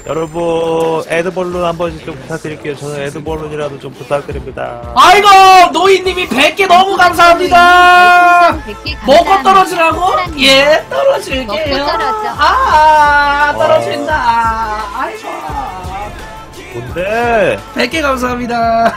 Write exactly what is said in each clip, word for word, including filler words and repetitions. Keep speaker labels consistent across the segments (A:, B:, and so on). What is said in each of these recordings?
A: 여러분 에드벌룬 한 번씩 좀 부탁드릴게요. 저는 에드벌룬이라도 좀 부탁드립니다.
B: 아이고 노인님이 백 개 너무 감사합니다. 먹고 떨어지라고? 예 떨어질게요.
C: 먹고 떨어져.
B: 아 떨어진다. 아이고
A: 뭔데?
B: 백 개 감사합니다.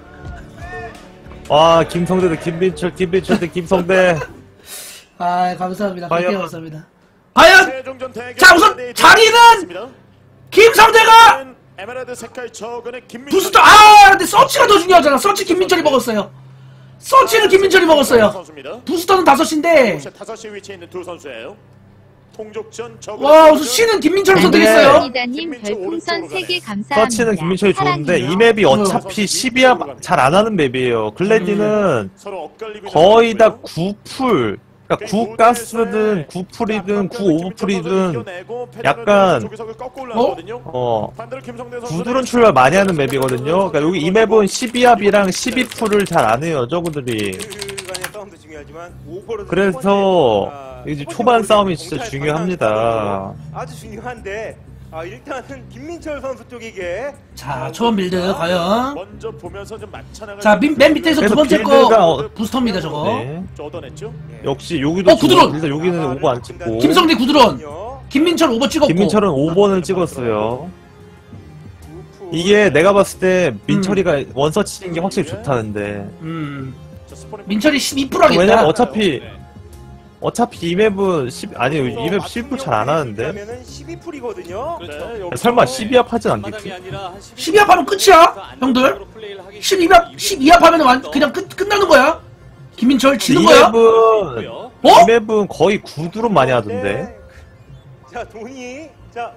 A: 와 김성대도 김민철 김민철 대 김성대.
B: 아 감사합니다. 백 개
A: 과연-
B: 감사합니다. 과연
D: 최종전 대결
B: 자, 우선
D: 네,
B: 자리는
D: 있습니다.
B: 김성대가
D: 에메랄드 색깔 저근의 김민철
B: 부스터 아 근데 서치가 더 중요하잖아. 서치 김민철이 먹었어요. 서치를 김민철이 먹었어요.
D: 선수입니다.
B: 부스터는 다섯 시인데
D: 다섯 시 위치에 있는 두 선수예요. 통족전 저근
B: 와 우선 C는 김민철을
A: 근데-
B: 선택했어요.
C: 이다님 별풍선 세 개 감사합니다.
A: 서치는 김민철이 좋은데 이
C: 사랑해요.
A: 맵이 어차피 십이야 잘 안 하는 맵이에요. 글래디는
D: 서로 엇갈리고
A: 거의 다
D: 있는
A: 구 풀. 그러니까 구 가스든 구 풀이든 구 오버풀이든 약간 어 구드론 출발 많이 하는 맵이거든요. 그러니까 여기 이 맵은 십이 합이랑 십이 풀을 잘 안 해요. 저그들이. 그래서 이제 초반 싸움이 진짜 중요합니다.
E: 아주 중요한데 아, 일단은 김민철 선수 쪽에게
B: 자 초반 빌드 과연
D: 먼저 보면서 좀 맞춰나갈
B: 자 맨, 맨 밑에서 두
A: 그래서
B: 번째
A: 빌드가
B: 거
A: 어-
B: 부스터입니다 저거.
A: 네.
D: 얻어냈죠.
A: 역시 여기도
B: 어, 구드론!
A: 좋아. 일단 여기는 오버 안 찍고
B: 김성대 구드론. 김민철 오버 찍었고.
A: 김민철은 오 번을 찍었어요. 이게 내가 봤을 때 민철이가 원서치 치는 게 확실히 좋다는데.
B: 음
D: 자, 스포닝
B: 민철이 십이 퍼센트 하겠다.
A: 왜냐면 어차피 어차피 이 맵은 십 아니 이 맵 십 풀 잘 안 하는데.
E: 그러면은 십이 풀이거든요.
D: 네, 여기서
A: 설마 십이 합 하진 않겠지?
B: 십이 합 하면 끝이야 형들. 십이 합 십이 합 하면 완 그냥 끝 끝나는 거야. 김민철 지는
A: 이
B: 거야.
A: 맵은
B: 어?
A: 이 맵은 거의 구드로 많이 하던데.
E: 자 돈이 자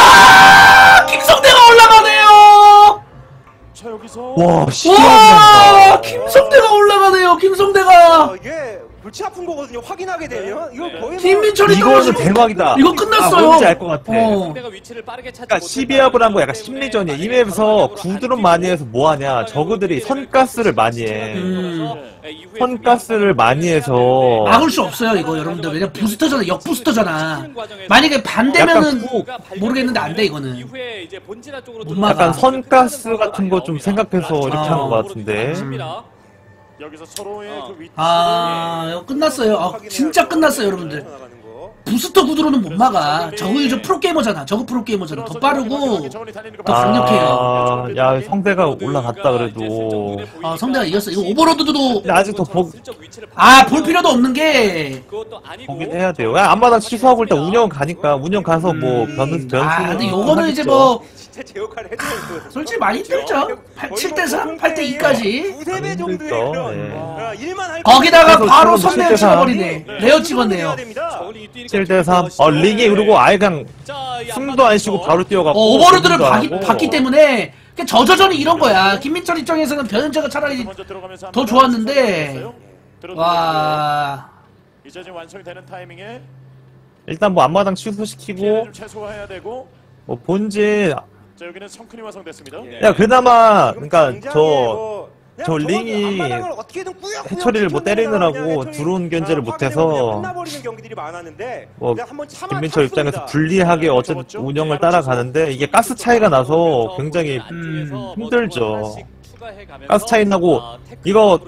B: 와 김성대가 올라가네요.
D: 자 여기서
A: 와 십이
B: 와
A: 합
B: 김성대가 올라가네요. 김성대가
E: 어, 이게 골치 아픈 거거든요. 확인하게 되면 이거 거의 뭐
B: 김민철이
A: 이거는
B: 떨어지고
A: 대박이다.
B: 이거 끝났어요.
A: 아, 뭔지 알 것 같아.
B: 어.
A: 그러니까 십이 합을 한 거 약간 심리전이야. 이 맵에서 구드론 많이 해서 뭐 하냐? 저그들이 선가스를 많이 해.
B: 음.
A: 선가스를 많이 해서
B: 막을 수 없어요 이거 여러분들. 왜냐 부스터잖아. 역 부스터잖아. 만약에 반대면은
A: 약간 구-
B: 모르겠는데 안 돼 이거는. 못 막아.
A: 약간 선가스 같은 거 좀 생각해서 이렇게
B: 아.
A: 한 것 같은데.
D: 여기서 서로의 그 위치
B: 아 이거 끝났어요. 아, 진짜 끝났어요 여러분들. 부스터 구두로는 못 막아. 저거 이제 프로게이머잖아. 저거 프로게이머잖아. 더 빠르고 더 강력해요.
A: 아, 야 성대가 올라갔다 그래도.
B: 아 성대가 이겼어. 이거 오버로드도
A: 근데 아직 더 보,
B: 아 볼 필요도 없는 게.
A: 보긴 해야 돼요. 야, 앞마당 취소하고 일단 운영 가니까 운영 가서 뭐 변수 변수.
B: 아 근데 요거는 이제 뭐
E: 진짜 제 역할을 해줘요.
B: 솔직히 많이 힘들죠. 칠 대 삼, 팔 대 이까지.
E: 두세 배 정도의
A: 힘들죠.
E: 그런
A: 예.
E: 아, 일만 할
B: 거기다가
A: 그래서
B: 바로
A: 지금
B: 선대를
A: 칠 대 삼.
B: 찍어버리네. 레어 찍었네요.
A: 칠 대 삼. 어 링이 그리고 아예 그냥 숨도 안 쉬고 바로 뛰어가고.
B: 어, 오버로드를
A: 숨도 안
B: 봤기,
A: 하고.
B: 봤기 때문에 그냥 저저전이 이런 거야. 김민철 입장에서는 변현재가 차라리
D: 먼저 들어가면서
B: 더
D: 한번
B: 좋았는데.
D: 들어갔어요. 들어들어갔고요.
B: 와.
D: 이제 지금 완성이 되는 타이밍에
A: 일단 뭐 앞마당 취소시키고
D: 피해를 좀 최소화해야 되고.
A: 뭐 본진.
D: 자 여기는 성큰이 완성됐습니다.
A: 야 그나마 그러니까
E: 굉장히
A: 저
E: 뭐 그냥
A: 저
E: 저거는
A: 링이
E: 앞마당을 어떻게든 꾸역꾸역
A: 해처리를 뭐
E: 붙여내다가
A: 때리느라고
E: 그냥 해처리,
A: 드론 견제를
E: 아,
A: 못해서
E: 그냥 끝나버리는 경기들이 많았는데
A: 뭐
E: 그냥 한번 참아
A: 김민철 입장에서
E: 참습니다.
A: 불리하게 어쨌든 운영을 따라가는데 이게 가스 차이가 나서 굉장히
B: 음,
A: 힘들죠. 가스 차이 나고 이거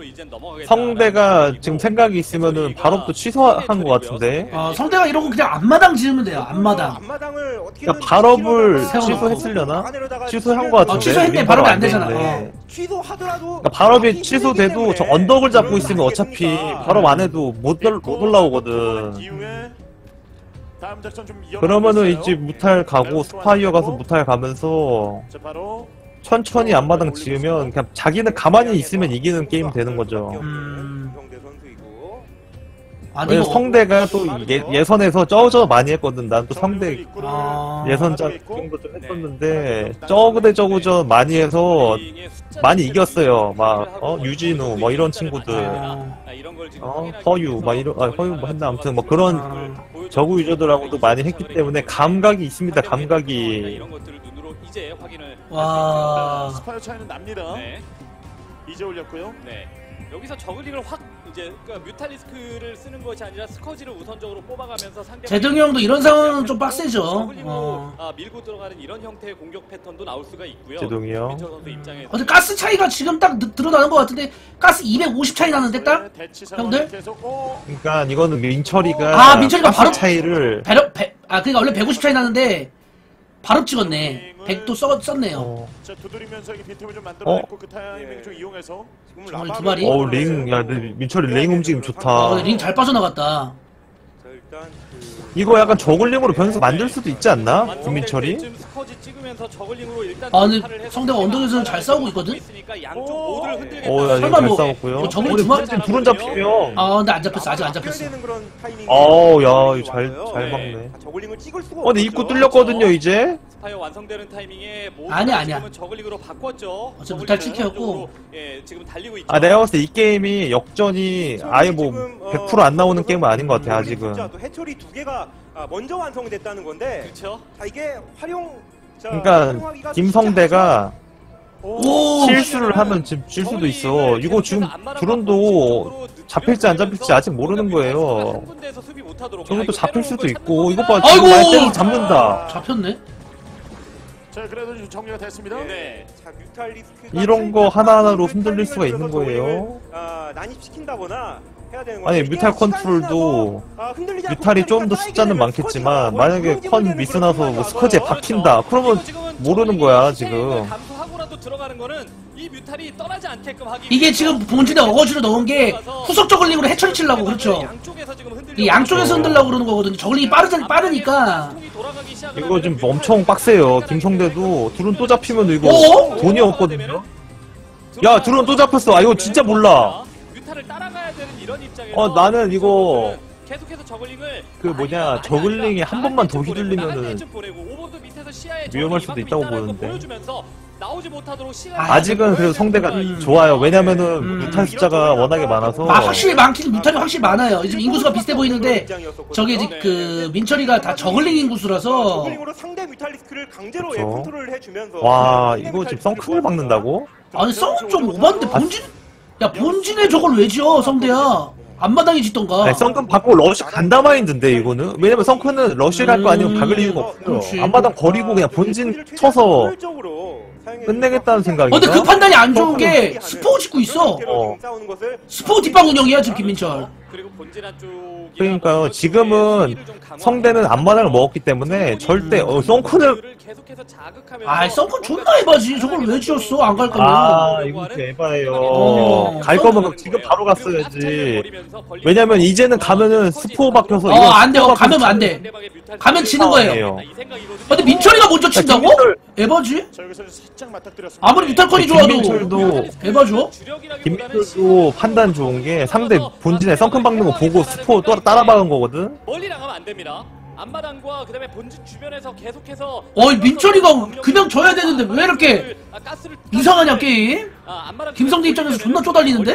A: 성대가 지금 생각이 있으면은 바로 또 취소한 것 같은데.
B: 어, 성대가 이러고 그냥 앞마당 지으면 돼요. 앞마당.
E: 앞마당을 어떻게든
A: 그러니까 발업을
E: 치러다가
B: 취소했으려나?
E: 막아내려다가
A: 취소한 것 같은데.
B: 어, 취소했네.
A: 우린
B: 발업이
A: 바로
B: 안 되잖아.
A: 되는데.
B: 어.
E: 취소하더라도
A: 그러니까 발업이
E: 막기
A: 취소돼도
E: 힘들기
A: 저
E: 때문에
A: 언덕을 잡고
E: 그럴
A: 있으면
E: 수
A: 어차피
E: 있겠습니까?
A: 발업 안 해도 못, 올- 못 올라오거든.
D: 이후에 다음 작전 좀 이어가고
A: 그러면은
D: 있어요.
A: 이제 무탈 가고 스파이어 가서 무탈 가면서
D: 자 바로
A: 천천히 앞마당 지으면 그냥 자기는 가만히 있으면 이기는 게임 되는 거죠.
B: 음.
E: 이병대 선수이고.
B: 아니
A: 왜냐면
B: 이거
A: 성대가 또 예, 예선에서 저저 많이 했거든. 난 또 성대
B: 아.
A: 예선작 정도 좀 했었는데 저그대 저그전 많이 해서 많이 이겼어요. 막 어, 유진우 뭐 이런 친구들,
B: 아.
A: 어 허유 막 이런 아, 허유 뭐 했나 아무튼 뭐 그런 저그 유저들하고도 많이 했기 때문에 감각이 있습니다. 감각이.
B: 와.
D: 스파이어 차이는 납니다.
F: 네.
D: 이제 올렸고요.
F: 네. 여기서 저글링을 확 이제 그러니까 뮤탈리스크를 쓰는 것이 아니라 스커지를 우선적으로 뽑아가면서 상대
B: 재동이 형도 이런 상황은 좀 빡세죠. 어.
F: 아, 밀고 들어가는 이런 형태의 공격 패턴도 나올 수가 있고요.
A: 재동이 형.
F: 김민철 선수 입장에서
B: 근데 가스 차이가 지금 딱 드- 드러나는 것 같은데 가스 이백오십 차이 나는데 딱?
D: 대치 상황이
B: 형들?
D: 계속 어,
A: 그러니까 이거는 민철이가
B: 아, 민철이가
A: 가스
B: 바로-
A: 차이를
B: 배럭 배, 아 그러니까 원래 백오십 차이 나는데 바로 찍었네. 백도 써, 썼네요.
A: 어,
D: 자 두드리면서 이게 빈틈을 좀 만들어냈고 그 타이밍을
E: 예.
D: 좀 이용해서
E: 지금
B: 정말
E: 라바를
B: 두 마리?
A: 어우 링, 야, 근데 민철이 링 움직임 좋다.
B: 어, 링 잘 빠져나갔다.
E: 자, 일단 그
A: 이거 약간 저글링으로 변수 만들 수도 있지 않나?
F: 완성될
A: 김민철이?
F: 때쯤 스커지 찍으면서 저글링으로 일단
B: 아, 근데
F: 돌파를 해서
B: 성대가 언덕에서는 잘 싸우고 있거든?
F: 있으니까 양쪽 모두를 흔들겠다.
A: 어, 야,
B: 설마
A: 잘
B: 뭐-
A: 싸웠고요.
B: 뭐 저글링
A: 우리
B: 두 마리-
A: 지금 둘은 잡히면.
B: 아 근데 안 잡혔어. 아직 안
E: 바뀌어야
B: 잡혔어.
E: 되는 그런 타이밍이
A: 어우, 야,
E: 와요.
A: 이거 잘, 잘
F: 네.
A: 막네.
E: 아, 저글링을 찍을 수가
A: 어, 근데 입구
E: 없죠.
A: 뚫렸거든요, 이제?
F: 스파이어 완성되는 타이밍에 모두
B: 아니야, 아니야.
F: 지금은 저글링으로 바꿨죠.
B: 어차피 무탈
F: 저글링은
B: 찍혔고.
F: 한쪽으로, 예, 지금 달리고 있죠.
A: 아, 내가 봤을 때 이 게임이 역전이 아예 뭐
E: 지금, 어,
A: 백 퍼센트 안 나오는 게임은 아닌 것 같아,
E: 저글링
A: 아직은.
E: 숫자도 해처리 두 개가 아, 먼저 완성됐다는 건데
F: 그렇죠.
E: 자 이게 활용 자,
A: 그러니까
E: 활용하기가
A: 김성대가
B: 오!
A: 실수를 하면 지금 질 수도 있어. 이거 지금 드론도 잡힐지 안 잡힐지 아직 모르는 거예요. 저것도 잡힐 수도 있고, 이것 봐,
B: 아이고!
A: 지금 말 때리면 잡는다.
B: 잡혔네.
D: 자 그래도 좀 정리가 됐습니다.
F: 네.
E: 자, 뮤탈리스크가
A: 이런 거 하나하나로
E: 타이밍을
A: 흔들릴 수가 있는
E: 들어서 저글링을,
A: 거예요.
E: 아, 난입시킨다거나 해야 되는
A: 아니,
E: 건데 이게
A: 뮤탈
E: 시간이
A: 컨트롤도
E: 지나서, 아, 흔들리지 않고
A: 뮤탈이 좀 더
E: 그러니까
A: 숫자는
E: 쌓이게
A: 많겠지만,
E: 되면
A: 만약에
E: 스쿼지가
A: 컨
E: 무너지는
A: 미스나서
E: 그런
A: 뭐
E: 상황이
A: 스커지에
E: 와서
A: 박힌다. 그러면 모르는 거야, 지금.
F: 감수하고라도 들어가는 거는 이 뮤탈이 떠나지 않게끔 하기
B: 이게 지금 본진에 어거지로 넣은 게 후속 저글링으로 해처리 치려고 그렇죠.
F: 양쪽에서 지금 흔들려.
B: 이 양쪽에서 흔들려고 그러는 거거든요. 저글링이 빠르, 빠르니까.
A: 이거 지금 엄청 빡세요. 김성대도 드론 또 잡히면 이거
B: 어?
A: 돈이 없거든요. 야, 드론 또 잡혔어. 아, 이거 진짜 몰라.
F: 뮤탈을 따라가야 되는 이런 입장에서
A: 어, 나는 이거
F: 계속해서 저글링을
A: 그 뭐냐, 저글링이 한 번만 더 휘둘리면은 위험할 수도 있다고 보는데.
F: 나오지 못하도록 시간
B: 아,
A: 아직은 그래도 성대가
B: 음.
A: 좋아요. 왜냐면은
B: 음.
A: 무탈 숫자가 워낙에 많아서.
B: 아, 확실히 많긴 뮤탈이 확실히 많아요. 지금 인구수가 비슷해 보이는데 저게 이제 그 민철이가 다 저글링 인구수라서
E: 저글링으로 상대 뮤탈리스크를 강제로 예,
A: 그쵸.
E: 컨트롤을 해주면서
A: 와,
E: 상대
A: 이거 지금
E: 뮤탈리스크를
A: 썬크를 막는다고?
B: 아니 성은 좀 오반데 본진 야 본진에 저걸 왜 지어 성대야 앞마당에 짓던가.
A: 아니, 썬큰 받고 러쉬 간다 마인드인데, 이거는? 왜냐면 썬크는 러쉬 갈 거 아니면 박을 이유가 없어요.
B: 그렇지.
A: 앞마당 버리고 그냥 본진 쳐서 끝내겠다는 생각이야.
B: 어, 근데 그 판단이 안 좋은 게 스포 짓고 있어.
A: 어.
B: 스포 뒷방 운영이야 지금 김민철.
F: 그리고 본진 한쪽
A: 그러니까요. 지금은 성대는 앞마당을 먹었기 때문에 절대 어, 썬큰을
B: 아 썬큰 존나 해봐지. 저걸 왜 지었어 안 갈 거면.
A: 아 이거 진짜 에바예요.
B: 어.
A: 갈 거면 지금 바로 갔어야지. 왜냐면 이제는 가면은 스포 박혀서
B: 어, 안 돼. 어, 가면 안 돼. 가면 지는 거예요. 근데 민철이가 먼저 친다고?
A: 김민철-
B: 에바지?
D: 자 여기서 살짝 맞닥뜨렸습니다.
B: 아무리 뮤탈컨이 좋아도
A: 김민철도
B: 에바죠?
A: 김민철도 판단 좋은 게 상대 본진에 썬큰 박는 거 보고 스포 또 따라 박은 거거든.
F: 멀리 나가면 안 됩니다. 앞마당과 그다음에 본진 주변에서 계속해서
B: 어이 민철이가 그냥 져야 되는데 왜 이렇게 이상하냐 게임? 김성대 입장에서 존나 쪼달리는데?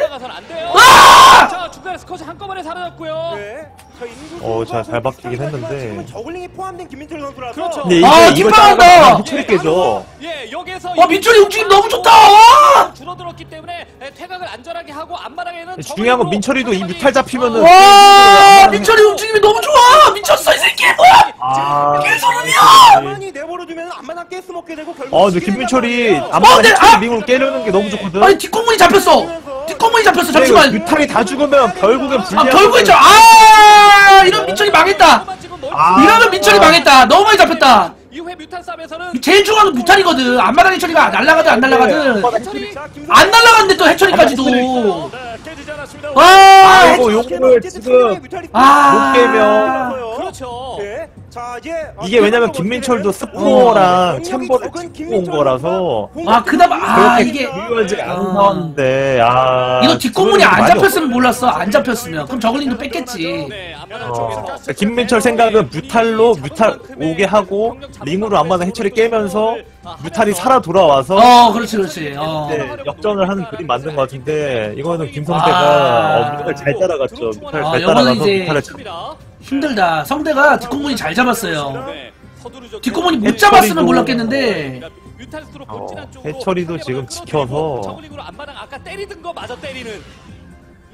F: 아! 자 중간에 스커지 한꺼번에 사라졌고요.
E: 네.
A: 어, 자, 잘 박히긴 했는데.
E: 저글링이 포함된 김민철 선수라서
F: 그렇죠.
A: 근데 이게
B: 아,
A: 이거
B: 뒷방한다!
A: 따라가면 해철이 깨져.
F: 예 여기서
B: 와 민철이 움직임 너무 좋다! 와!
F: 줄어들었기 때문에 퇴각을 안전하게 하고 앞마당에는
A: 중요한 건 민철이도 이 뮤탈 잡히면은
B: 와 민철이 움직임이 너무 좋아! 미쳤어 이 새끼 뭐야!
A: 아,
E: 가만히 내버려두면 안마당 가스 먹게 되고 결국
A: 아, 근데 김민철이
B: 어,
A: 아마
B: 근데,
A: 해철이
B: 아!
A: 링으로 깨려는 게 너무 좋거든.
B: 아니 뒷공문이 잡혔어! 뒷공문이 잡혔어
A: 근데 이거
B: 잠시만!
A: 뮤탈이 다 죽으면 결국엔
B: 아
A: 불리한.
B: 결국에 저 아 이런 민철이 망했다!
A: 아.
B: 이러면 민철이 망했다! 너무 많이 잡혔다!
F: 이후에 뮤탈 싸움에서는
B: 제일 중요한 건 뮤탈이거든. 앞마당 해처리가 날라가든 안 날라가든
F: 해철이
B: 안 날라갔는데 또 해처리까지도.
D: 네, 깨지지 않았습니다.
B: 와!
A: 아이고, 요거를 지금
B: 아.
A: 못 깨면.
F: 그렇죠.
E: 네. 자, 이제
A: 이게 왜냐면 김민철도 스포랑 챔버를 찍고 온 거라서
B: 아 그나마 아
A: 그렇게
B: 이게
A: 유효하지 않은 상황인데, 아.
B: 이거 뒷공문이 안
A: 많이
B: 잡혔으면 몰랐어. 안 잡혔으면 그럼 저글링도 뺐겠지.
F: 네, 앞마당
A: 어,
F: 쪽에서
A: 그러니까 김민철 생각은 뮤탈로 뮤탈 오게 하고 링으로 안마당 해처리 깨면서 뮤탈이 살아 돌아와서
B: 어 그렇지 그렇지. 어.
A: 네, 역전을 하는 그림 만든 것 같은데 이거는 김성대가
B: 아.
A: 어, 뮤탈 잘 따라갔죠. 뮤탈
B: 아,
A: 잘
B: 이거는
A: 따라가서
B: 이제
A: 뮤탈을 잡.
B: 힘들다. 성대가 뒷공문이 잘 잡았어요.
F: 네, 서두르죠.
B: 뒷공문이 못
A: 해처리도-
B: 잡았으면 몰랐겠는데.
F: 뮤탈스로
A: 어,
F: 본진 한쪽으로
A: 해처리도
F: 상대방을
A: 지금
F: 끌어들이고
A: 지켜서.
F: 저글링으로 앞마당 아까 때리던 거 마저 때리는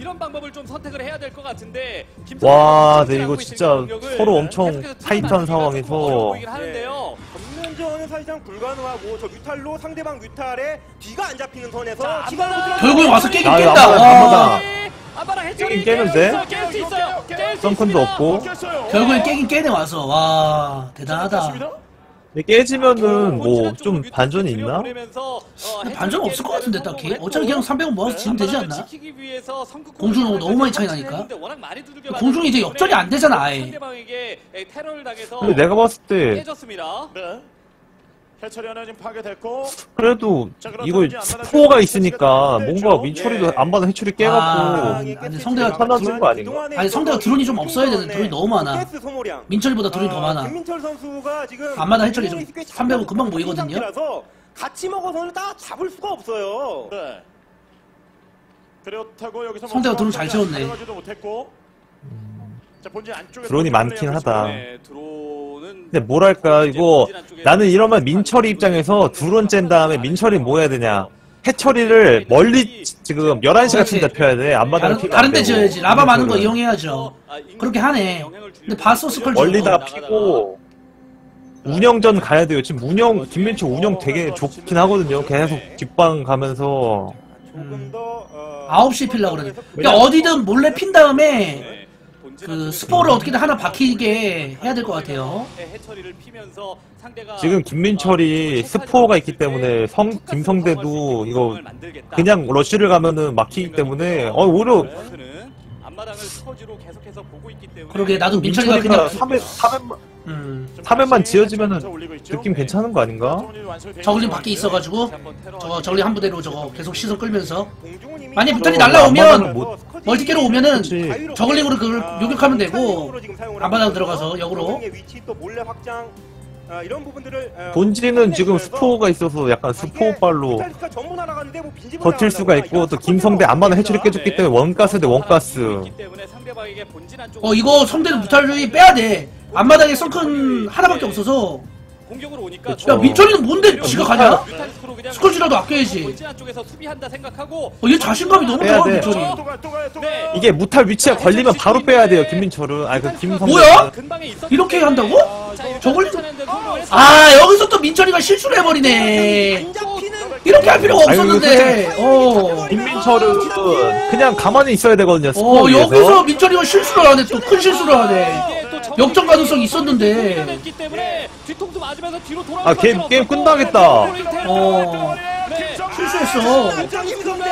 F: 이런 방법을 좀 선택을 해야 될 것 같은데.
A: 와, 네, 이거 진짜 서로 엄청 타이트한 상황에서
F: 보이긴 하는데요.
E: 전면전은 사실상 불가능하고 저 뮤탈로 상대방 뮤탈에 뒤가 안 잡히는 선에서
F: 자,
E: 시간
F: 앞마당.
B: 결국에 와서 깨긴
A: 아,
B: 깬다.
A: 앞마당,
B: 와.
A: 앞마당.
F: 아빠랑 해처리
A: 깨긴 깨는데?
F: 깰 수 있어요. 깰수
A: 썬큰도
F: 있습니다.
A: 없고.
B: 결국에 깨긴 깨네 와서. 와 대단하다.
A: 근데 깨지면은 뭐 좀 반전이 있나?
B: 근데 반전 없을 것 같은데 딱히. 어차피 그냥 삼백원 모아서 지면 되지 않나? 공중하고 너무 많이 차이 나니까. 공중이 이제 역전이 안 되잖아 아예.
F: 상대방에게 테러를 당해서
A: 근데 내가 봤을 때
F: 깨졌습니다.
D: 네. 해처리 하나 지금 파괴됐고.
A: 그래도
D: 자, 그럼
A: 이거
D: 이제 앞마당
A: 스포가
D: 쪽
A: 있으니까
D: 네,
A: 뭔가
D: 죠.
A: 민철이도
E: 예.
A: 안 받은 해철이
B: 아,
A: 깨갖고
B: 아니, 성대가
A: 편해진 거 아닌가?
B: 아니, 성대가 드론이 좀 없어야 되는데 드론이 너무 많아.
E: 가스 소모량.
B: 민철보다 드론이 더
E: 아,
B: 많아.
E: 김민철 선수가 지금
B: 앞마당 해처리 좀 삼백원 금방 모이거든요.
E: 상태라서 같이 먹어서는 다 잡을 수가 없어요.
D: 네. 그렇다고 여기서
B: 성대가
D: 뭐
B: 드론 잘 채웠네.
D: 가져가지도 못했고. 자, 본진 안쪽에
A: 드론이 많긴 하다.
F: 네, 드론은
A: 근데 뭐랄까 이거 나는 이러면 민철이 입장에서 드론 짠 다음에 민철이 뭐 해야 되냐 해철이를 멀리 지금 열한 시 같은 데 펴야 돼. 앞마당
B: 다른, 다른 데 지어야지. 라바 많은 거 이용해야죠. 그렇게 하네. 근데 바소스컬
A: 멀리다 피고 운영전 가야 돼요. 지금 운영 김민철 운영 되게 좋긴 하거든요. 계속 뒷방 가면서
E: 조금 더 어,
B: 아홉 시 필라고 그러네. 그러니까 어디든 몰래 핀 다음에
F: 네, 본진
B: 그
F: 안쪽에
B: 스포를 어떻게든 하나 박히게 해야 될 것 같아요.
F: 해처리를 피면서 상대가
A: 지금 김민철이 스포가 있기 때문에 성 김성대도 이거 그냥 러쉬를 가면은 막히기 때문에 어 오히려
F: 는 앞마당을 스커지로 계속해서 보고 있기 때문에
B: 그러게 나도 민철이가
A: 민철이가
B: 그냥
A: 삼 회 삼회만
B: 음
A: 삼회만 지어지면은 느낌 괜찮은 거 아닌가?
B: 저글링 밖에 있어가지고 저거 저글링 한 부대로 저거 계속 시선 끌면서
E: 공중은
B: 만약
E: 이미
B: 뮤탈이
A: 저
B: 날라오면
A: 앞마당을 못-
B: 멀티캐로 오면은
A: 그치.
B: 저글링으로 그걸
E: 아,
B: 요격하면 되고
E: 뮤탈링으로 지금 사용을
B: 앞마당
E: 하고
B: 들어가서
E: 있고요.
B: 역으로.
E: 저글링의 위치 또 몰래 확장 아, 이런 부분들을 어,
A: 본진은 지금
E: 확인해주면서
A: 스포가 있어서 약간
E: 아,
A: 스포
E: 이게
A: 발로
E: 뮤탈리스크가 전부 날아가는데 뭐 빈집을
A: 버틸 수가
E: 나간다거나
A: 있고
E: 이런
A: 또
E: 첫
A: 김성대
E: 번째로
A: 안마당 해처리
E: 나옵니다.
A: 깨졌기 때문에 원가스 대 원가스.
B: 어 이거 성대는 무탈lui 빼야 돼. 앞마당에 성큰 하나밖에 없어서.
F: 공격으로 오니까
A: 그쵸.
B: 야 민철이는 뭔데 지가 가냐?
F: 뮤탈리스크로 그냥
B: 스컬지라도 아껴야지.
F: 본진 안쪽에서 수비한다 생각하고
B: 어, 얘 자신감이 너무
A: 빼야
B: 좋아
A: 돼.
B: 민철이.
D: 또 가요, 또 가요, 또
F: 네.
D: 가요.
A: 이게 무탈 위치가 걸리면 바로 빼야 돼요 김민철은. 아니 그 김성대.
B: 뭐야?
F: 근방에 있었기
B: 이렇게
F: 때문에
B: 한다고?
F: 자, 이렇게
B: 저걸
F: 쫓아내는데 성공을 했어요.
B: 아 여기서 또 민철이가 실수를 해버리네.
E: 안 잡히는
B: 이렇게 할 필요가
A: 아유,
B: 없었는데. 어.
A: 김민철은 그냥 가만히 있어야 되거든요.
B: 어
A: 스포
B: 여기서
A: 위에서.
B: 민철이가 실수를 하네. 또 큰 실수를 하네.
F: 이게 또 정면이
B: 역전 가능성이 있었는데.
F: 공격했기 때문에 뒤통수 맞으면서 뒤로 돌아올
A: 아, 게임-
F: 수밖에
A: 게임
F: 없었고,
A: 끝나겠다.
B: 어.
F: 네.
B: 실수했어.
E: 완전 김성대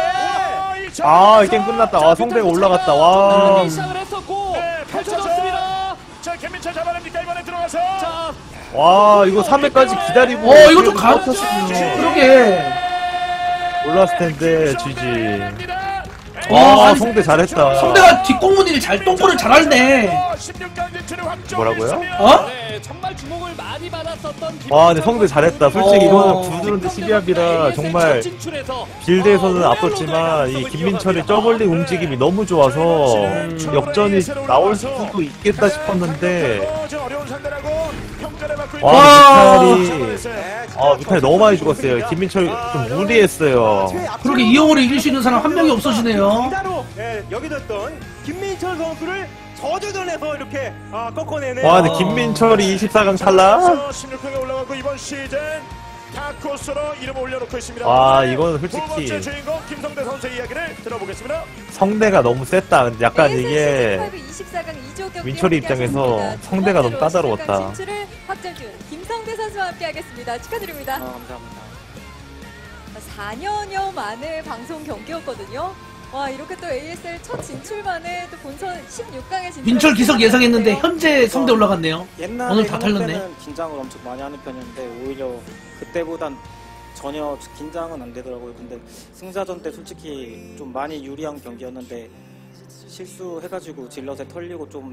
A: 아 게임 끝났다. 와 성대가 올라갔다. 와.
F: 시작을 했었고
D: 네,
F: 펼쳐졌습니다.
D: 자, 김민철 잡아냅니까 이번에 들어가서.
F: 자,
A: 와 이거 삼 회까지 기다리고.
B: 어 이거 좀 가.
A: 버텼으면
B: 그러게.
A: 올랐을 텐데 지지.
B: 어,
A: 와
B: 아니,
A: 성대 잘했다.
B: 성대가 뒷공무니를 잘 똥꼬를 잘하네.
D: 십육 강 진출을 확정.
A: 뭐라고요?
B: 어?
F: 네, 정말 주목을 많이 받았었던
A: 와 근데 성대 잘했다. 솔직히
B: 어.
A: 이거는 구드론대 십이합이라 정말 빌드에서는 앞섰지만 이 김민철의 저글링 움직임이 너무 좋아서 역전이 나올 수도 있겠다 싶었는데
D: 어려운 상대라고 평가를 받고 있는
A: 와
B: 와.
A: 뮤탈이 아 뮤탈이 너무 많이 죽었어요. 김민철 좀 무리했어요.
B: 그렇게 이영호를 이길 수 있는 사람 한 명이 없어지네요.
E: 진짜로 예, 여기뒀던 김민철 선수를 저주전에서 이렇게 아, 꺾어내는
A: 와 근데 김민철이 이십사 강 탈락?
D: 십육 강에 올라가고 이번 시즌 다크호스로 이름을 올려놓고 있습니다.
A: 와, 이거는
D: 두
A: 솔직히
D: 번째 주인공 김성대 선수의 이야기를 들어보겠습니다.
A: 성대가 너무 셌다. 근데 약간 이게
G: 이십사 강 이 조 경기
A: 민철이 입장에서
G: 함께하셨습니다.
A: 성대가 너무
G: 두 번째로
A: 까다로웠다.
G: 십육 강 진출을 확정 중 김성대 선수와 함께하겠습니다. 축하드립니다.
F: 감사합니다.
G: 사 년여 만에 방송 경기였거든요. 와 이렇게 또 에이에스엘 첫 진출만에 또 본선 십육 강에 진출.
B: 민철 기석 예상했는데 현재 성대 올라갔네요.
H: 옛날에
B: 오늘 다
H: 해볼
B: 탈렸네.
H: 때는 긴장을 엄청 많이 하는 편이었는데 오히려 그때보단 전혀 긴장은 안 되더라고요. 근데 승자전 때 솔직히 좀 많이 유리한 경기였는데 실수해가지고 질럿에 털리고 좀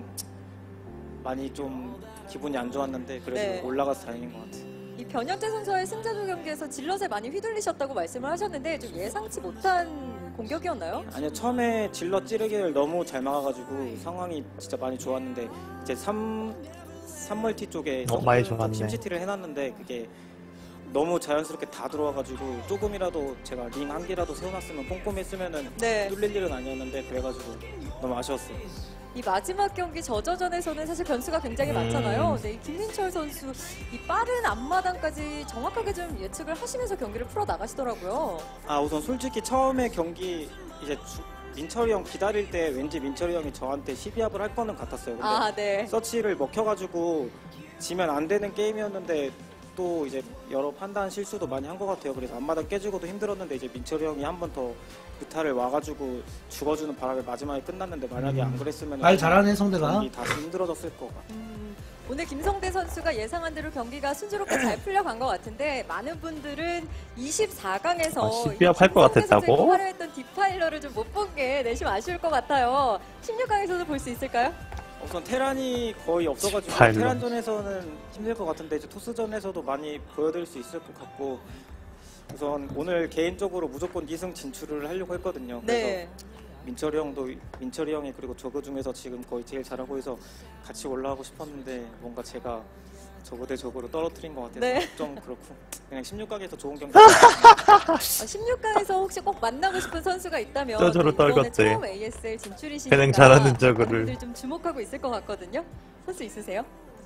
H: 많이 좀 기분이 안 좋았는데 그래도
G: 네.
H: 올라가서 다행인 것 같아요.
G: 이 변현재 선수와의 승자조 경기에서 질럿에 많이 휘둘리셨다고 말씀을 하셨는데 좀 예상치 못한 공격이었나요?
H: 아니요, 처음에 질럿 찌르기를 너무 잘 막아가지고 상황이 진짜 많이 좋았는데 이제 삼, 삼 멀티 쪽에
A: 어, 많이 좋았네.
H: 팀시티를 해놨는데 그게 너무 자연스럽게 다 들어와가지고 조금이라도 제가 링 한 개라도 세워놨으면 꼼꼼히 했으면은
G: 네.
H: 뚫릴 일은 아니었는데 그래가지고 너무 아쉬웠어요.
G: 이 마지막 경기 저저전에서는 사실 변수가 굉장히
A: 음.
G: 많잖아요. 네, 이 김민철 선수 이 빠른 앞마당까지 정확하게 좀 예측을 하시면서 경기를 풀어 나가시더라고요.
H: 아 우선 솔직히 처음에 경기 이제 주- 민철이 형 기다릴 때 왠지 민철이 형이 저한테 십이합을 할 거는 같았어요. 근데
G: 아, 네.
H: 서치를 먹혀가지고 지면 안 되는 게임이었는데 또 이제 여러 판단 실수도 많이 한 것 같아요. 그래서 앞마당 깨지고도 힘들었는데 이제 민철이 형이 한 번 더 뮤타를 와가지고 죽어주는 바람에 마지막에 끝났는데 만약에 안 그랬으면
B: 말 잘하네 성대가.
H: 경기 다시 힘들어졌을 것 같아요.
G: 음, 오늘 김성대 선수가 예상한 대로 경기가 순조롭게 잘 풀려간 것 같은데 많은 분들은 이십사 강에서
A: 아, 십이합 할것 같았다고?
G: 화려했던 디파일러를 좀 못 본 게 내심 아쉬울 것 같아요. 십육 강에서도 볼 수 있을까요?
H: 우선 테란이 거의 없어가지고
A: 파일럿.
H: 테란전에서는 힘들 것 같은데 이제 토스전에서도 많이 보여드릴 수 있을 것 같고 우선 오늘 개인적으로 무조건 이 승 진출을 하려고 했거든요. 그래서
G: 네.
H: 민철이 형도 민철이 형이 그리고 저그 중에서 지금 거의 제일 잘하고 해서 같이 올라가고 싶었는데 뭔가 제가 저거 대 저거로 떨어뜨린 것 같아서
G: 네.
H: 좀 그렇고 그냥 십육 강에서 좋은 경기
G: 아, 십육 강에서 혹시 꼭 만나고 싶은 선수가 있다면
A: 저저로
G: 또 이번에
A: 떨궜대.
G: 처음 에이에스엘 진출이시니까
A: 그냥 잘하는 저거를.
G: 많이들 좀 주목하고 있을 것 같거든요. 선수 있으세요?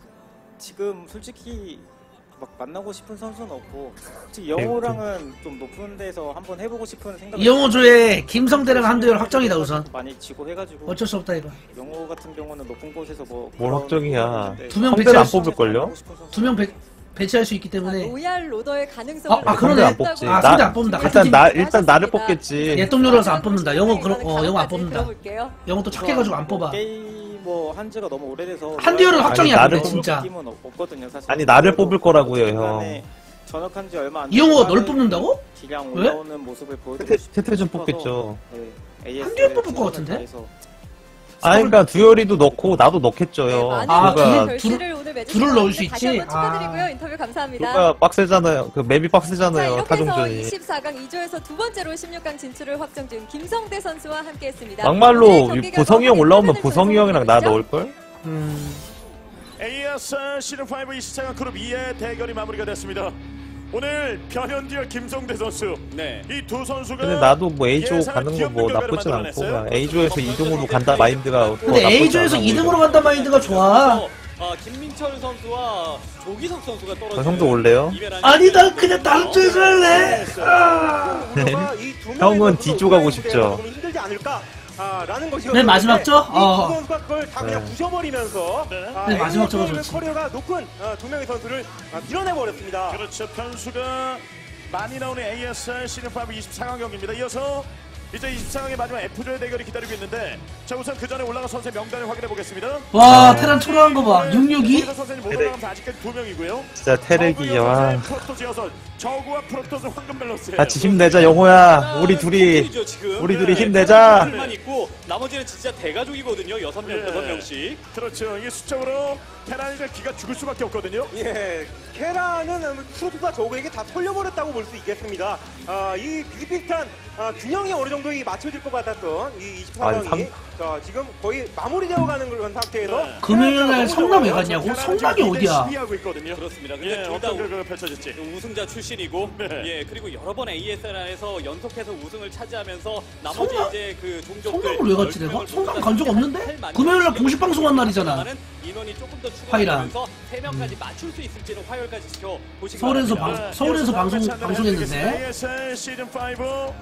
H: 지금 솔직히 막 만나고 싶은 선수는 없고 솔직히 영호랑은 좀 높은 데서 한번 해보고 싶은 생각이
B: 이영호조의 김성대랑 한두열 확정이다 우선.
H: 많이 지고 해가지고
B: 어쩔 수 없다 이거.
H: 영호 같은 경우는 높은 곳에서 뭐
A: 뭘
H: 그런
A: 확정이야.
H: 부분인데
B: 두 명
A: 성대를 안
B: 배치할 수-
A: 뽑을걸요?
B: 두 명 배치할 수 있기
G: 아,
B: 때문에
G: 로얄 로더의 가능성을
B: 아, 아, 그러네.
A: 성대 안 뽑지.
B: 아,
A: 나-
B: 성대 안 뽑는다. 같은
A: 일단
B: 팀.
A: 나 일단 나를 뽑겠지.
B: 예똥료라서 안 뽑는다. 영호 그러, 어 영호 안 뽑는다.
G: 들어볼게요.
B: 영호 또 착해가지고 안 뽑아.
H: 게이머 한지가 너무 오래돼서
B: 한두열은
H: 로얄
B: 확정이야
A: 아니,
B: 근데
A: 나를
B: 진짜.
H: 느낌은 없- 없거든요 사실.
A: 아니 나를 뽑을 거라고요 형.
H: 중간에 전역한 지 얼마 안
B: 이영호가
H: 돼서
B: 널 뽑는다고?
H: 기량
B: 왜?
H: 올라오는 모습을 보여드리고
A: 태태
H: 싶어서
A: 태태 좀 뽑겠죠.
H: 네,
B: 한두열 뽑을 것 같은데?
H: 다해서
A: 아 그러니까 두열이도 넣고 나도 넣겠죠
G: 네,
A: 형.
G: 많은
B: 아,
G: 분들이
A: 누가
B: 둘-
G: 결실을 오늘 맺으신
B: 둘을
G: 것
B: 넣을 수
G: 같은데 다시
B: 있지?
G: 한번 축하드리고요.
B: 아.
G: 인터뷰 감사합니다.
A: 누가 빡세잖아요. 그 맵이
G: 자,
A: 빡세잖아요.
G: 이렇게 해서
A: 타종전이.
G: 이십사 강 이 조에서 두 번째로 십육 강 진출을 확정 중 김성대 선수와 함께했습니다.
A: 막말로
G: 오늘
A: 이
G: 경기
A: 보성이 형
G: 결과
A: 올라오면
G: 확인을
A: 보성이 형이랑 나
G: 전송해
A: 넣을 걸? 음.
D: 에이에스엘 시즌 오 이십사 강 그룹 이의 대결이 마무리가 됐습니다. 오늘 변현디와 김성대 선수
F: 네.
D: 이 두 선수가
A: 근데 나도 뭐 A조
D: 예상을
A: 가는 거 뭐
D: 기억는
A: 나쁘진
D: 결과를
A: 않고
D: 만들어냈어요.
A: 그냥 A조에서 이 등으로 간다 마인드가 더
B: 근데
A: 나쁘지
B: A조에서
A: 않아,
B: 이 등으로
A: 오히려.
B: 간다 마인드가 좋아.
F: 어, 김민철 선수와 조기석 선수가 떨어지는
A: 아, 형도 올래요?
F: 이베란이
B: 아니 난 그냥 다른 쪽에서 할래. 아.
A: 형은 D조 가고 싶죠.
E: 힘들지 않을까? 아, 라는 것이었는데
B: 맨 마지막 조? 어.
E: 이두 선수가 그걸 다 그냥
A: 네.
E: 부셔버리면서
D: 네.
E: 아,
B: 네, 마지막 조가
E: 에이에스엘
B: 좋지.
E: 커리어가 높은 아, 두 명의 선수를 아, 밀어내버렸습니다.
D: 그렇죠. 변수가 많이 나오는 에이에스엘 시즌 오 이십사 강 경기입니다. 이어서 이제 이십사 강의 마지막 F조의 대결이 기다리고 있는데 자 우선 그 전에 올라간 선수의 명단을 확인해 보겠습니다.
B: 와 테란 초라한 거 봐. 육육이.
D: 선수는 못 올라가면서 아직까지 두 명이고요.
A: 진짜 테렉이 와.
D: 프로토스여서 저구와 프로토스 황금 밸런스예요.
A: 같이 힘내자 영호야. 우리 둘이
F: 포트이죠, 지금.
A: 우리 둘이
D: 네.
A: 힘내자.
F: 만 있고 나머지는 진짜 대가족이거든요. 여섯 명,
D: 네.
F: 여섯 명씩.
D: 그렇죠. 이게 수적으로 테란이가 기가 죽을 수밖에 없거든요.
E: 예, 케라는 프로토스와 저그에게 다 털려버렸다고 볼 수 있겠습니다. 아, 이 비슷비슷한 아, 균형이 어느 정도 이 맞춰질 것 같았던 이 이십사
A: 아니,
E: 강이
A: 삼-
E: 자, 지금 거의 마무리되어 가는 그런 상태에서
D: 네.
B: 금요일날 성남 왜 갔냐고?
D: 테란은
B: 성남이
D: 지금
B: 어디야?
D: 시비하고 있거든요.
F: 그렇습니다. 근데
D: 예,
F: 둘 다
D: 어떤 결과가 펼쳐질지.
F: 우승자 출신이고,
D: 네.
F: 예 그리고 여러 번 에이에스엘에서 연속해서 우승을 차지하면서 나머지
B: 성남-
F: 이제 그 종족들
B: 성남을 왜 갔지 내가?
F: 열 명을
B: 성남
F: 모두
B: 간 적
F: 다
B: 없는데?
F: 할 만큼
B: 금요일날 공식 방송한 날이잖아.
F: 인원이 조금 더
B: 화이랑.
F: 추가되면서 세 명까지 맞출 수 있을지는 화요일까지 지켜 보시기
B: 서울에서
F: 바랍니다.
B: 방- 서울에서 방송- 방송했는데?
D: 에이에스엘 시즌 오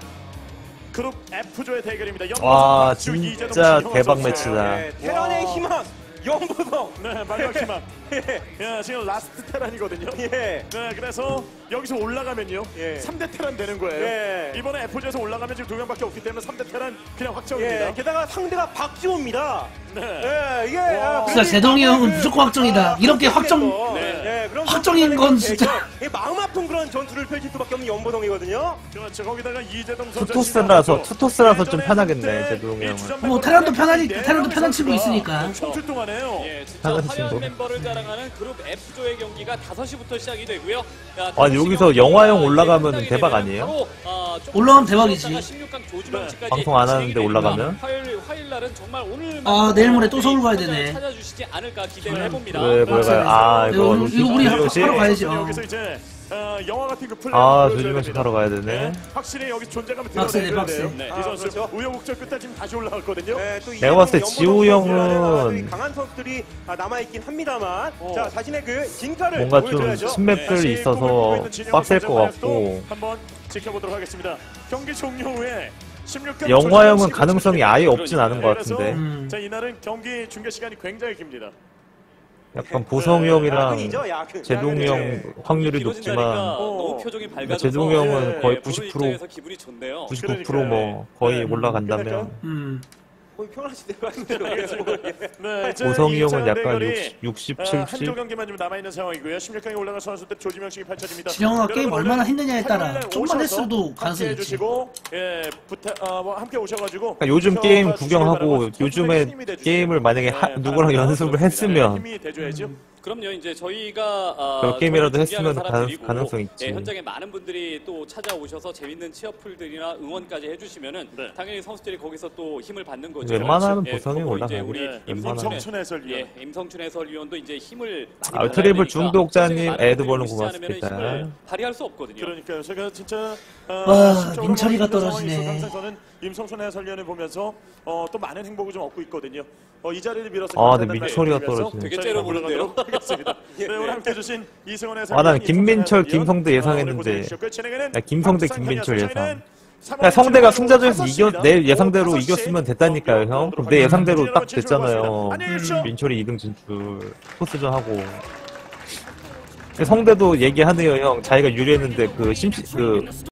D: 그룹 F조의 대결입니다.
A: 와
D: 박수, 이재동,
A: 진짜
D: 신영환
A: 대박
D: 선수.
A: 매치다.
E: 예, 테란의 희망 영보성.
D: 네, 마지막 희망.
E: 예,
D: 야, 지금 라스트 테란이거든요.
E: 예.
D: 네, 그래서 여기서 올라가면요.
E: 예.
D: 삼 대 테란 되는 거예요.
E: 예.
D: 이번에 F조에서 올라가면 지금 두 명밖에 없기 때문에 삼 대 테란 그냥 확정입니다.
E: 예, 게다가 상대가 박지호입니다.
D: 네.
E: 예, 이게 아,
B: 진짜 제동이 형은 무조건 확정이다. 이렇게 확정-
E: 네. 예, 그런
B: 확정인 건 진짜.
E: 대결, 예, 마음 아픈 그런 전투를 펼칠 수밖에 없는 연보성이거든요.
D: 그렇죠. 거기다가 이재동 선수
A: 투토스라서 투토스라서 좀 편하겠네 제동 형은.
B: 뭐 테란도 편하니까 테란도 편한 친구 있으니까.
D: 청출 동안에요.
F: 예, 진짜
A: 하는
F: 화려한
A: 친구.
F: 멤버를 자랑하는 그룹 F조의 경기가 다섯 시부터 시작이 되고요. 야,
A: 아니, 여기서 영화형 올라가면 대박 아니에요?
F: 바로, 아, 조금
B: 올라가면 대박이지.
F: 십육 강 조주명치까지
A: 방송 안 하는데
F: 진행이 됩니다.
A: 올라가면?
F: 화요일 화요일 날은 정말 오늘
B: 아, 내일 모레 또 서울 가야 되네.
F: 찾아주시지 않을까 기대를 해봅니다.
A: 왜, 뭘 가요? 아,
B: 네,
A: 이거
B: 오늘- 이거 우리 하-
A: 요시?
B: 하러 가야죠.
D: 여기서 이제 어, 영화 같은 그 플레이.
A: 아, 조지명식 하러 가야 되네.
D: 확실히 여기 존재감을
B: 박스네,
D: 드러내야
B: 박스.
D: 돼요.
F: 네.
D: 이
E: 아,
D: 선수
E: 그렇죠.
D: 우여곡절 끝에 지금 다시 올라왔거든요.
E: 네, 또
A: 내가 봤을 때
E: 이재동,
A: 지우
E: 연보성
A: 형은
E: 선수라는 강한 선수들이 아, 남아있긴 합니다만
D: 어.
E: 자 자신의 그 진가를
A: 뭔가 좀
E: 보여줘야죠.
A: 스맵들이
D: 다시
A: 있어서
D: 꿈을 꾸고 있는 진영을
A: 빡셀 것
D: 선정하여서
A: 같고.
D: 한번 지켜보도록 하겠습니다. 경기 종료 후에 십육 강
A: 영화형은 가능성이 아예 없진 않은 것 같은데.
B: 음.
D: 자, 이날은 경기 중계 시간이 굉장히 깁니다.
A: 약간 보성이 형이랑
E: 야근이죠, 야근.
A: 제동이 형 확률이
F: 길어진다니까
A: 높지만
F: 너무 표정이 밝아져서
A: 제동이 형은
D: 예,
A: 거의
D: 예,
A: 구십
F: 보는
A: 퍼센트,
F: 입장에서 기분이 좋네요.
A: 구십구 퍼센트 뭐 거의
D: 네.
A: 올라간다면
B: 음.
E: 거의 평안하실 대로 하신 대로
D: 네, 이제
A: 보성이
D: 이
A: 형은
D: 차
A: 약간
D: 대결이,
A: 육십,
D: 아,
A: 칠십.
D: 한조 경기만 좀 남아있는 상황이고요. 십육 강에 올라간 선수들 조지명식이 펼쳐집니다.
B: 진영아 게임
D: 여러분,
B: 얼마나
D: 오늘
B: 했느냐에 따라
D: 화요일에
B: 좀만
D: 오셔서
B: 했어도 가능성이
D: 함께
B: 있지.
D: 해주시고, 예, 부탁, 아, 뭐 함께 오셔가지고
A: 그러니까 요즘
D: 저
A: 게임
D: 주시기
A: 구경하고
D: 바라고
A: 요즘에
D: 힘이 돼주세요.
A: 게임을 만약에 하-
D: 네,
A: 누구랑
D: 바랍니다.
A: 연습을 했으면
D: 힘이 돼줘야죠.
F: 그럼요. 이제 저희가 아,
A: 몇 게임이라도
F: 저희
A: 했으면
F: 준비하는
A: 가능-
F: 사람들이고,
A: 가능성이 있지.
F: 예, 현장에 많은 분들이 또 찾아오셔서 재밌는 취업풀들이나 응원까지 해주시면은
D: 네.
F: 당연히 선수들이 거기서 또 힘을 받는 거죠.
A: 웬만하면
F: 예,
A: 보성이
F: 그리고
A: 올라가요.
F: 이제 우리
D: 네,
F: 임성춘
D: 임성춘 해설위원.
F: 예, 임성춘 해설위원도 이제 힘을 많이
A: 아,
F: 받아야
A: 트리블
F: 되니까
A: 중독자님,
F: 선수들이 많은
A: 에드버는
F: 분들이 오시지 않으면은
A: 고맙습니다.
F: 힘을 발휘할 수 없거든요.
D: 그러니까요. 제가 진짜 어,
B: 와,
D: 심적으로
B: 민철이가
D: 힘든 상황이
B: 떨어지네.
D: 있어서 항상 저는 임성춘 해설위원을 보면서 어, 또 많은 행복을 좀 얻고 있거든요. 어, 이 자리를 빌어서
A: 아,
D: 감사하다는
A: 근데
D: 말씀
A: 민철이가
D: 드리면서
A: 떨어지네.
F: 되게
D: 저희가
F: 째려보는데요.
D: 올라가도록 하겠습니다. 네, 오늘 함께 해주신 이승원 해설위원,
A: 아, 나는 김민철,
D: 임성춘
A: 김성대
D: 해설위원,
A: 예상했는데.
D: 어, 오늘 고생해주셨고요. 진행에는
A: 야, 김성대,
D: 박수상
A: 김민철
D: 현이었어요.
A: 예상.
D: 저희는
A: 그러니까 성대가 승자전에서
D: 다섯
A: 이겨,
D: 시입니다.
A: 내 예상대로
D: 오후 다섯 시
A: 이겼으면 됐다니까요, 형. 그럼 내 예상대로 딱 됐잖아요.
D: 안녕히 계십시오.
A: 민철이 이 등 진출, 포스전 하고. 성대도 얘기하네요, 형. 자기가 유리했는데 그 심시, 그